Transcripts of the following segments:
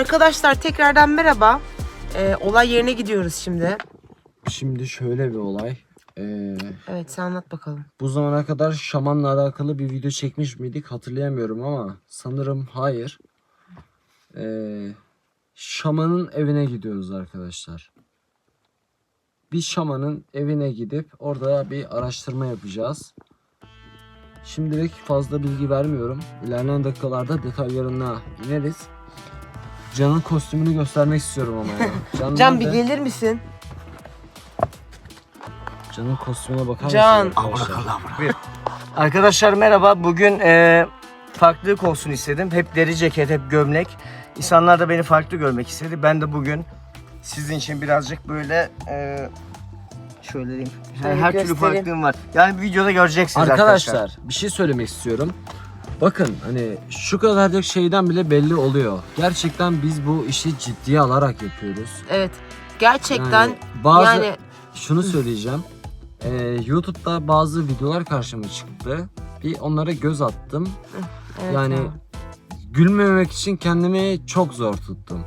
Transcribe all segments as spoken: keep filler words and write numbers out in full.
Arkadaşlar tekrardan merhaba. Ee, olay yerine gidiyoruz şimdi. Şimdi şöyle bir olay. Ee, Evet, sen anlat bakalım. bu zamana kadar şamanla alakalı bir video çekmiş miydik hatırlayamıyorum ama sanırım hayır. Ee, şamanın evine gidiyoruz arkadaşlar. Bir şamanın evine gidip orada bir araştırma yapacağız. Şimdilik fazla bilgi vermiyorum. İlerleyen dakikalarda detaylarına ineriz. Can'ın kostümünü göstermek istiyorum ama ya. Can, Can bir nerede? gelir misin? Can'ın kostümüne bakar Can. mısın arkadaşlar? Arkadaşlar merhaba. Bugün e, farklılık olsun istedim. Hep deri ceket, hep gömlek. İnsanlar da beni farklı görmek istedi. Ben de bugün sizin için birazcık böyle e, şöyle diyeyim. Şöyle her türlü göstereyim. farklılığım var. Yani bir videoda göreceksiniz arkadaşlar. Arkadaşlar bir şey söylemek istiyorum. Bakın hani şu kadarcık şeyden bile belli oluyor. Gerçekten biz bu işi ciddiye alarak yapıyoruz. Evet. Gerçekten Yani bazı yani şunu söyleyeceğim. Ee, YouTube'da bazı videolar karşıma çıktı. Bir onlara göz attım. evet yani ya. gülmemek için kendimi çok zor tuttum.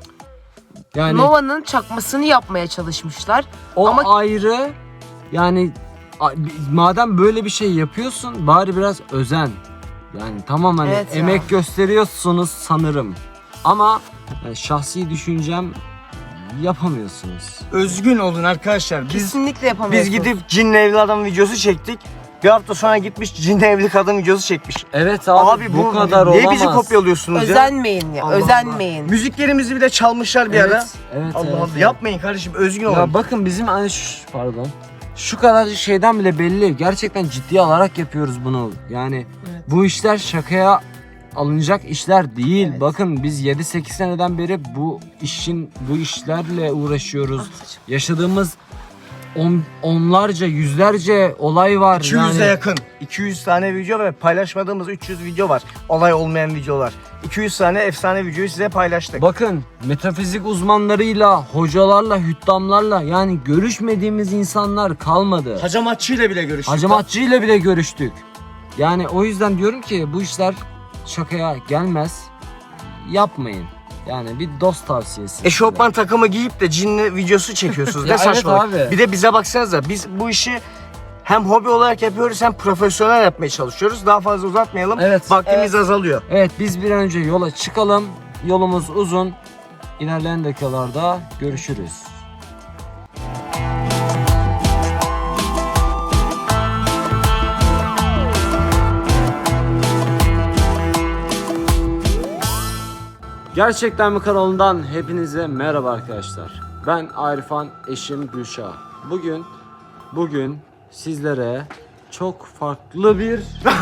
Yani Nova'nın çakmasını yapmaya çalışmışlar. o ama- ayrı. Yani a- madem böyle bir şey yapıyorsun bari biraz özen. Yani tamam hani Evet ya. emek gösteriyorsunuz sanırım. Ama yani şahsi düşüncem yapamıyorsunuz. Özgün olun arkadaşlar. Biz Kesinlikle biz yapamıyorsunuz. gidip cinli evli adam videosu çektik. Bir hafta sonra gitmiş cinli evli kadın videosu çekmiş. Evet abi, Abi, bu, bu kadar niye olamaz. bizi kopyalıyorsunuz ya? Özenmeyin ya. Allah özenmeyin. Müziklerimizi bile çalmışlar bir ara. Evet, evet, Allah evet, Allah. evet. Yapmayın kardeşim, özgün olun. Ya bakın bizim hani şu, pardon. Şu kadarcık şeyden bile belli. Gerçekten ciddiye alarak yapıyoruz bunu. Yani Evet. bu işler şakaya alınacak işler değil. Evet. Bakın biz yedi sekiz seneden beri bu işin bu işlerle uğraşıyoruz. Ah, Yaşadığımız on, onlarca, yüzlerce olay var. iki yüze yani. yakın. iki yüz tane video ve paylaşmadığımız üç yüz video var. Olay olmayan videolar. iki yüz tane efsane videoyu size paylaştık. Bakın metafizik uzmanlarıyla, hocalarla, hüddamlarla yani görüşmediğimiz insanlar kalmadı. Hacamatçı ile bile görüştük. Hacamatçı ile bile görüştük. Yani o yüzden diyorum ki bu işler şakaya gelmez. Yapmayın. Yani bir dost tavsiyesi. Eşofman takımı giyip de cinli videosu çekiyorsunuz. Ya Ne evet saçmalık. abi. Bir de bize baksanıza, biz bu işi hem hobi olarak yapıyoruz hem profesyonel yapmaya çalışıyoruz. Daha fazla uzatmayalım. Evet. Vaktimiz azalıyor. Evet biz bir an önce yola çıkalım. Yolumuz uzun. İlerleyen dakikalarda görüşürüz. Gerçekten mi kanalından hepinize merhaba arkadaşlar. Ben Arifan, eşim Gülşah. Bugün bugün sizlere çok farklı bir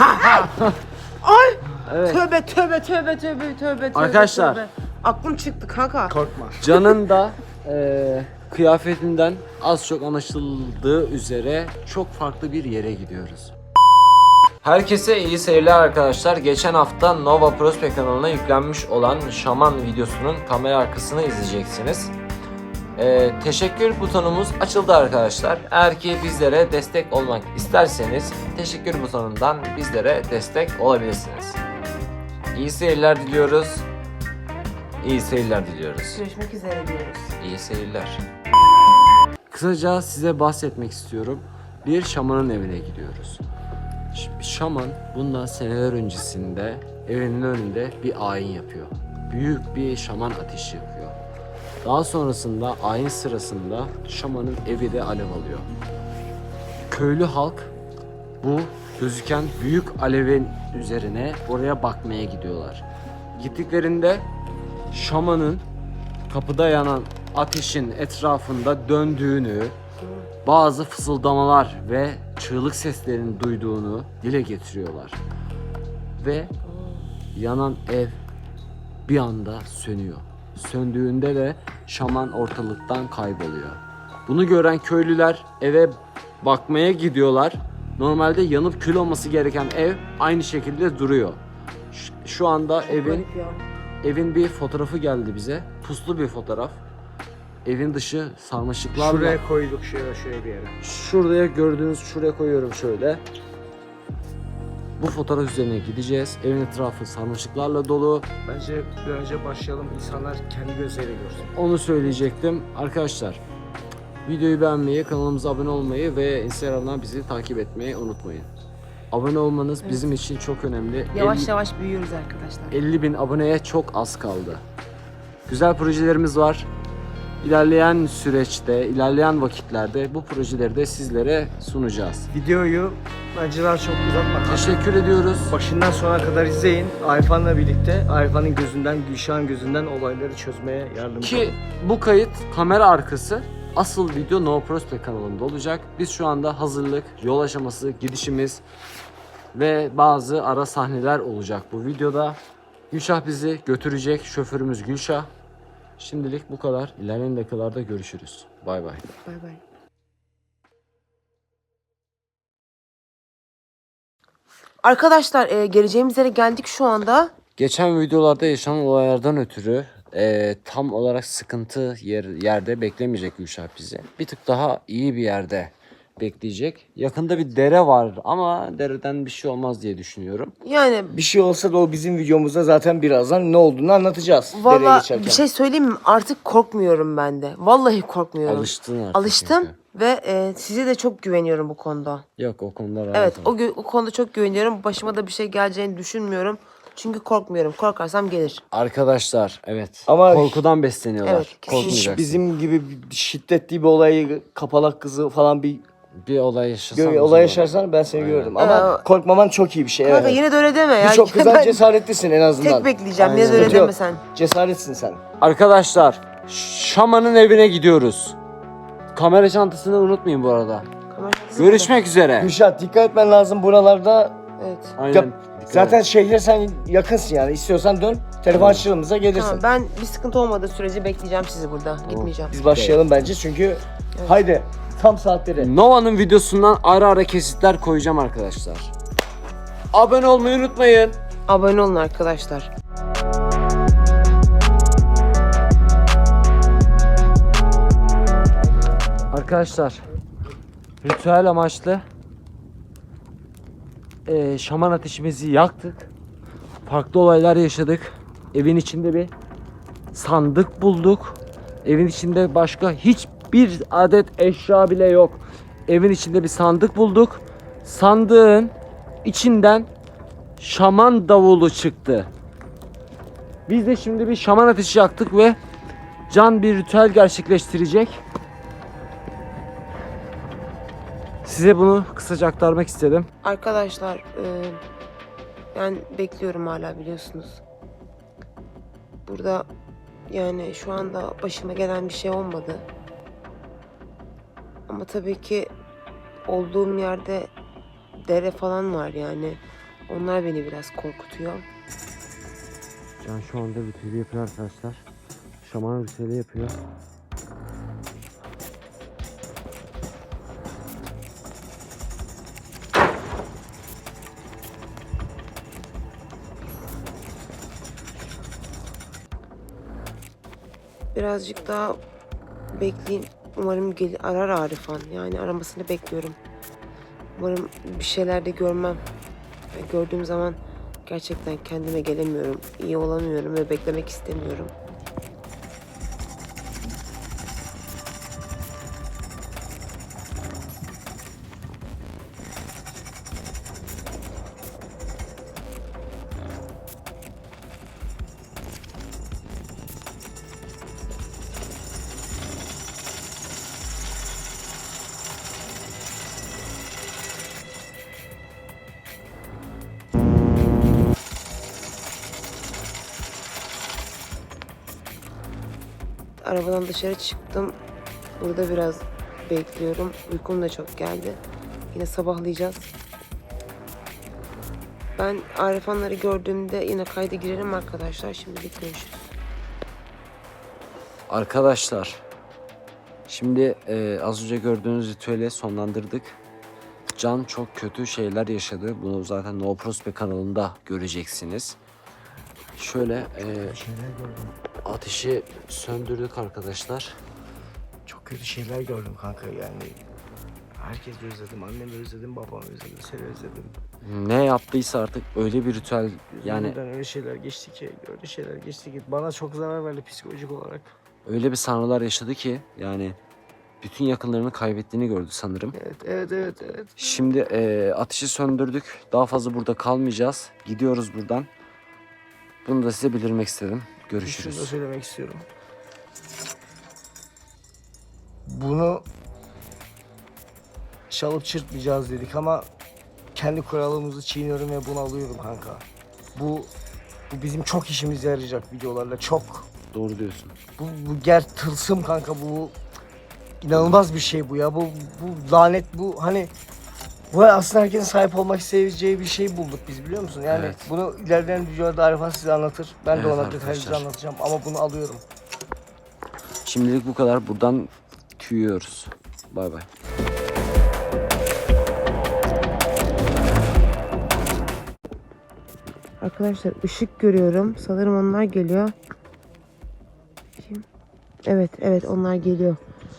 Ay! evet, Tövbe tövbe tövbe tövbe tövbe tövbe. Arkadaşlar. tövbe. Aklım çıktı kanka. Korkma. Can'ın da eee, kıyafetinden az çok anlaşıldığı üzere çok farklı bir yere gidiyoruz. Herkese iyi seyirler arkadaşlar. Geçen hafta Nova Prospect kanalına yüklenmiş olan şaman videosunun kamera arkasını izleyeceksiniz. Ee, teşekkür butonumuz açıldı arkadaşlar. Eğer ki bizlere destek olmak isterseniz teşekkür butonundan bizlere destek olabilirsiniz. İyi seyirler diliyoruz. İyi seyirler diliyoruz. Görüşmek üzere diyoruz. İyi seyirler. Kısaca size bahsetmek istiyorum. Bir şamanın evine gidiyoruz. Ş- Şaman bundan seneler öncesinde evinin önünde bir ayin yapıyor. Büyük bir şaman ateşi yakıyor. Daha sonrasında ayin sırasında şamanın evi de alev alıyor. Köylü halk bu gözüken büyük alevin üzerine oraya bakmaya gidiyorlar. Gittiklerinde şamanın kapıda yanan ateşin etrafında döndüğünü, bazı fısıldamalar ve çığlık seslerini duyduğunu dile getiriyorlar. Ve yanan ev bir anda sönüyor. Söndüğünde de şaman ortalıktan kayboluyor. Bunu gören köylüler eve bakmaya gidiyorlar. Normalde yanıp kül olması gereken ev aynı şekilde duruyor. Ş- Şu anda evin Garip ya. evin bir fotoğrafı geldi bize. Puslu bir fotoğraf. Evin dışı sarmaşıklarla. Şuraya koyduk, şuraya şuraya bir yere. Şuraya gördüğünüz şuraya koyuyorum şöyle. Bu fotoğraf üzerine gideceğiz. Evin etrafı sarmaşıklarla dolu. Bence bir önce başlayalım. İnsanlar kendi gözleriyle görsün. Onu söyleyecektim. Arkadaşlar videoyu beğenmeyi, kanalımıza abone olmayı ve Instagram'dan bizi takip etmeyi unutmayın. Abone olmanız Evet. bizim için çok önemli. Yavaş elli yavaş büyüyoruz arkadaşlar. elli bin aboneye çok az kaldı. Güzel projelerimiz var. İlerleyen süreçte, ilerleyen vakitlerde bu projeleri de sizlere sunacağız. Videoyu bence daha çok uzatmadan Teşekkür ediyoruz. başından sona kadar izleyin. Arifan'la birlikte Arifa'nın gözünden, Gülşah'ın gözünden olayları çözmeye yardımcı Ki olun. bu kayıt kamera arkası, asıl video No Prospect kanalında olacak. Biz şu anda hazırlık, yol aşaması, gidişimiz ve bazı ara sahneler olacak bu videoda. Gülşah bizi götürecek, şoförümüz Gülşah. Şimdilik bu kadar. İlerleyen dakikalarda görüşürüz. Bay bay. Bay bay. Arkadaşlar e, geleceğimiz yere geldik şu anda. Geçen videolarda yaşanan olaylardan ötürü e, tam olarak sıkıntı yer, yerde beklemeyecek Gülşah bizi. Bir tık daha iyi bir yerde bekleyecek. Yakında bir dere var ama dereden bir şey olmaz diye düşünüyorum. Yani Bir şey olsa da o bizim videomuzda zaten birazdan ne olduğunu anlatacağız. dereye valla geçerken. bir şey söyleyeyim mi? Artık korkmuyorum ben de. Vallahi korkmuyorum. Alıştın artık. Alıştım çünkü. ve e, size de çok güveniyorum bu konuda. Yok o konuda rahat Evet ol. o, gü- o konuda çok güveniyorum. Başıma da bir şey geleceğini düşünmüyorum. Çünkü korkmuyorum. Korkarsam gelir. Arkadaşlar evet. Ama- korkudan besleniyorlar. Evet, kesinlikle. Korkmayacaksın. Hiç bizim gibi bir şiddetli bir olayı, kapalak kızı falan bir bir olay yaşasan. gö- güzel olay olur. yaşarsan ben seni Aynen. görürüm. Ama Ee, korkmaman çok iyi bir şey. Kanka Evet. yine de öyle deme ya. Birçok kızdan Ben cesaretlisin en azından. tek bekleyeceğim. Yine de Aynen. öyle Sıkıntı yok. deme sen. Cesaretsin sen. Arkadaşlar Şaman'ın evine gidiyoruz. Kamera çantasını unutmayın bu arada. Kamerası Görüşmek üzere. Gülşah dikkat etmen lazım buralarda. burada. Evet. Aynen. Yap- Dikkat Zaten et. şehre sen yakınsın yani. İstiyorsan dön. Telefon açılımıza gelirsin. Tamam, ben bir sıkıntı olmadığı sürece bekleyeceğim sizi burada. Gitmeyeceğim. Biz başlayalım bence çünkü haydi tam saatleri. Nova'nın videosundan ara ara kesitler koyacağım arkadaşlar. Abone olmayı unutmayın. Abone olun arkadaşlar. Arkadaşlar ritüel amaçlı eee, şaman ateşimizi yaktık. Farklı olaylar yaşadık. Evin içinde bir sandık bulduk. Evin içinde başka hiçbir adet eşya bile yok. Evin içinde bir sandık bulduk. Sandığın içinden şaman davulu çıktı. Biz de şimdi bir şaman ateşi yaktık ve Can bir ritüel gerçekleştirecek. Size bunu kısaca aktarmak istedim. Arkadaşlar e, ben bekliyorum hala biliyorsunuz. Burada yani şu anda başıma gelen bir şey olmadı. Ama tabii ki olduğum yerde dere falan var yani. Onlar beni biraz korkutuyor. Can şu anda ritüeli yapıyor arkadaşlar. Şaman ritüeli yapıyor. Birazcık daha bekleyin. Umarım gelir, arar Arifan. Yani aramasını bekliyorum. Umarım bir şeyler de görmem. Yani gördüğüm zaman gerçekten kendime gelemiyorum. İyi olamıyorum ve beklemek istemiyorum. Arabadan dışarı çıktım. Burada biraz bekliyorum. Uykum da çok geldi. Yine sabahlayacağız. Ben Arifanları gördüğümde yine kayda girerim arkadaşlar. Şimdilik görüşürüz. Arkadaşlar şimdi e, az önce gördüğünüz ritüeli sonlandırdık. Can çok kötü şeyler yaşadı. Bunu zaten No Prospect kanalında göreceksiniz. Şöyle e, ateşi söndürdük arkadaşlar. Çok kötü şeyler gördüm kanka yani. Herkesi özledim. Annemi özledim, babamı özledim, seni özledim. Ne yaptıysa artık öyle bir ritüel yani Buradan öyle şeyler geçti ki, öyle şeyler geçti ki bana çok zarar verdi psikolojik olarak. öyle bir sanrılar yaşadı ki yani bütün yakınlarını kaybettiğini gördü sanırım. Evet, evet, evet, evet. Şimdi e, ateşi söndürdük. Daha fazla burada kalmayacağız. Gidiyoruz buradan. Bunu da size bildirmek istedim. Şunu da Görüşürüz. söylemek istiyorum. Bunu çalıp çırpmayacağız dedik ama kendi kuralımızı çiğniyorum ve bunu alıyorum kanka. Bu bu bizim çok işimize yarayacak videolarla, çok. Doğru diyorsun. Bu, bu ger tılsım kanka, bu inanılmaz bir şey bu ya. Bu bu lanet, bu hani bu aslında herkesin sahip olmak isteyeceği bir şey bulduk biz, biliyor musun? Yani Evet. bunu ilerleyen videolarda Arifan size anlatır. Ben Evet de ona arkadaşlar. detaylıca anlatacağım ama bunu alıyorum. Şimdilik bu kadar. Buradan tüyüyoruz. Bay bay. Arkadaşlar ışık görüyorum. Sanırım onlar geliyor. Kim? Evet, evet onlar geliyor.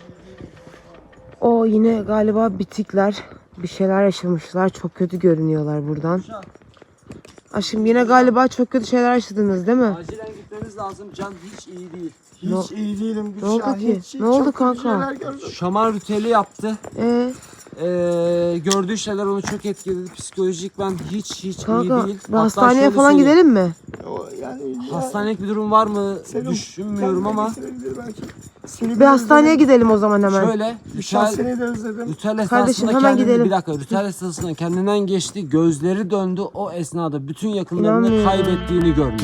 O yine galiba bitikler. Bir şeyler yaşamışlar. Çok kötü görünüyorlar buradan. Aşkım yine galiba çok kötü şeyler yaşadınız değil mi? Acilen gitmemiz lazım. Can hiç iyi değil. Hiç Ne- iyi değilim. ne oldu Gülşah, ki? hiç- hiç Ne oldu çok kötü kanka? şeyler gördüm. Şaman ritüeli yaptı. Ee, Ee, gördüğü şeyler onu çok etkiledi. Psikolojik ben hiç hiç kanka iyi değil. bir Hatta hastaneye şöyle falan söyleyeyim. gidelim mi? O yani Hastanelik bir durum var mı Serum düşünmüyorum ama getirebilir belki. Seni Bir de hastaneye özledim. gidelim o zaman hemen. şöyle Gülşah, ritüel, seni de özledim. ritüel esnasında Kardeşim, hemen kendini, gidelim. bir dakika ritüel esnasında kendinden geçti. Gözleri döndü. O esnada bütün yakınlarını İnanmıyorum. kaybettiğini görmüş.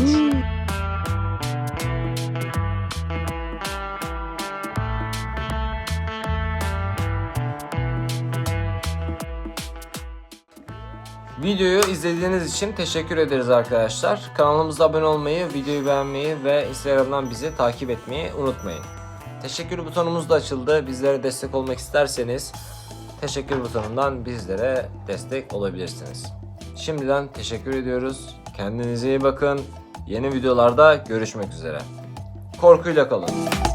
Videoyu izlediğiniz için teşekkür ederiz arkadaşlar. Kanalımıza abone olmayı, videoyu beğenmeyi ve Instagram'dan bizi takip etmeyi unutmayın. Teşekkür butonumuz da açıldı. Bizlere destek olmak isterseniz teşekkür butonundan bizlere destek olabilirsiniz. Şimdiden teşekkür ediyoruz. Kendinize iyi bakın. Yeni videolarda görüşmek üzere. Korkuyla kalın.